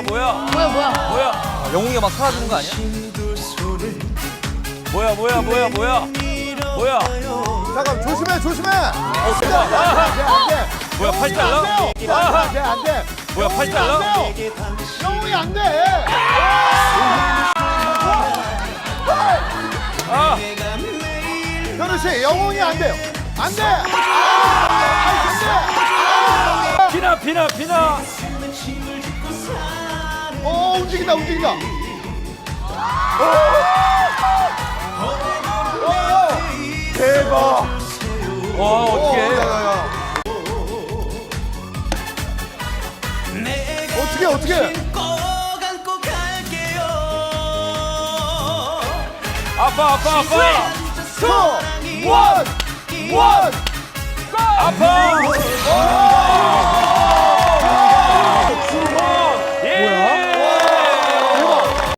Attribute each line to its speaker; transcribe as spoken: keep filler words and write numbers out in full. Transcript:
Speaker 1: 뭐야?
Speaker 2: 뭐야 뭐야?
Speaker 1: 뭐야? 아, 영웅이가 막 사라지는 거 아니야? 뭐야 뭐야 뭐야 뭐야? 뭐야?
Speaker 3: 잠깐 조심해 조심해.
Speaker 1: 어 대박. 아,
Speaker 3: 안돼 안돼.
Speaker 1: 뭐야 팔 잘라?
Speaker 3: 안돼 안돼.
Speaker 1: 뭐야 팔 잘라?
Speaker 3: 영웅이 안돼.
Speaker 1: 아
Speaker 3: 현우 씨 영웅이 안 돼요. 안 돼. 아, 안 돼.
Speaker 1: 피나 피나 피나.
Speaker 3: 어 움직인다 움직인다. 오! 오! 대박.
Speaker 1: 와 어떻게?
Speaker 3: 오, 야, 야, 야. 어떻게 어떻게?
Speaker 1: 아빠 아빠 아빠.
Speaker 3: 투, 원, 원.
Speaker 1: 아파.